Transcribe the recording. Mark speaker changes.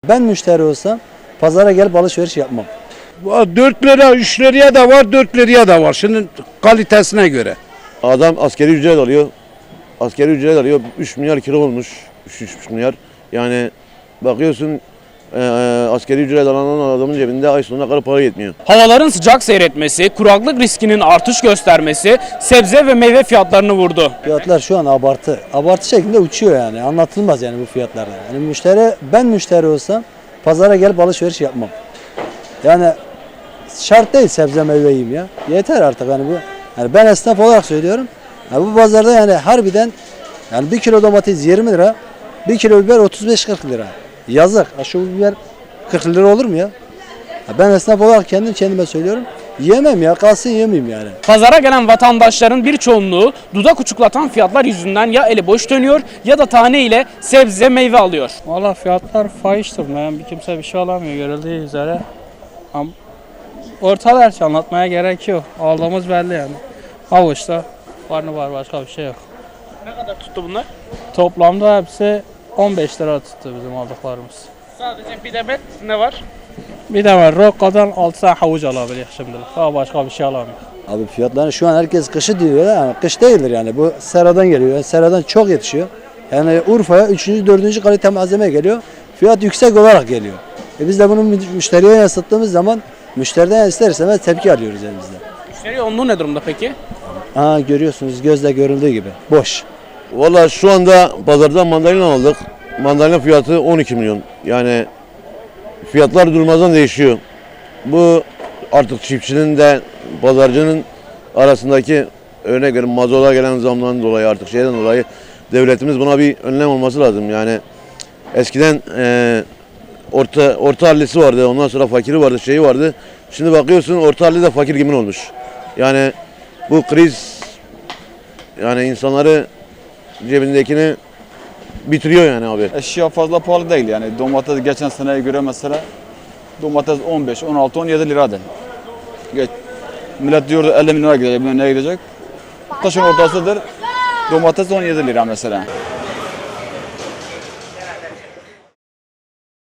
Speaker 1: ben müşteri olsam pazara gelip alışveriş yapmam.
Speaker 2: 4 lira, 3 liraya da var, 4 liraya da var. Şimdi kalitesine göre.
Speaker 3: Adam askeri ücret alıyor. Askeri ücret alıyor. 3 milyar kilo olmuş. 3,5 milyar. Yani bakıyorsun askeri ücret alan adamın cebinde ay sonuna kadar para yetmiyor.
Speaker 4: Havaların sıcak seyretmesi, kuraklık riskinin artış göstermesi sebze ve meyve fiyatlarını vurdu.
Speaker 1: Fiyatlar şu an abartı. Abartı şeklinde uçuyor yani. Anlatılmaz yani bu fiyatlarda. Yani ben müşteri olsam pazara gelip alışveriş yapmam. Yani şart değil sebze meyve yiyeyim ya. Yeter artık yani bu. Yani ben esnaf olarak söylüyorum. Yani bu pazarda yani harbiden yani 1 kilo domates 20 lira, 1 kilo biber 35-40 lira. Yazık. Şu biber 40 lira olur mu ya? Ben esnaf olarak kendime söylüyorum. Yemem ya, kalsın yemeyeyim yani.
Speaker 4: Pazara gelen vatandaşların bir çoğunluğu dudak uçuklatan fiyatlar yüzünden ya eli boş dönüyor ya da tane ile sebze meyve alıyor.
Speaker 5: Valla fiyatlar fahiş durumda. Yani kimse bir şey alamıyor görüldüğü üzere. Ama ortada her şey, anlatmaya gerek yok. Aldığımız belli yani. Havuçta var başka bir şey yok.
Speaker 4: Ne kadar tuttu bunlar?
Speaker 5: Toplamda hepsi 15 lira tuttu bizim aldıklarımız.
Speaker 4: Sadece bir demet ne var?
Speaker 5: Bir de var Rokka'dan 6 tane havuç alabiliyor şimdilik. Daha başka bir şey alamıyor.
Speaker 1: Abi fiyatları şu an herkes kışı diyor ya. Yani kış değildir yani. Bu seradan geliyor. Yani seradan çok yetişiyor. Yani Urfa'ya 3. 4. kalite malzeme geliyor. Fiyat yüksek olarak geliyor. Biz de bunu müşteriye yansıttığımız zaman müşteriden ister istemez tepki alıyoruz elimizde.
Speaker 4: Müşteri yoğunluğu ne durumda peki?
Speaker 1: Görüyorsunuz gözle görüldüğü gibi. Boş.
Speaker 3: Valla şu anda pazardan mandalina aldık. Mandalina fiyatı 12 milyon. Yani fiyatlar durmadan değişiyor. Bu artık çiftçinin de pazarcının arasındaki örnek veriyorum mazota gelen zamdan dolayı artık şeyden dolayı devletimiz buna bir önlem olması lazım. Yani eskiden orta hallisi vardı, ondan sonra fakiri vardı, şeyi vardı. Şimdi bakıyorsun orta halli de fakir gibi olmuş. Yani bu kriz yani insanları cebindekini bitiriyor yani abi.
Speaker 6: Eşya fazla pahalı değil yani. Domates geçen seneye göre mesela domates 15, 16, 17 liradı. Millet diyordu 50 bin lira gidecek, bilmem neye gidecek. Taşın ortasıdır. Domates 17 lira mesela.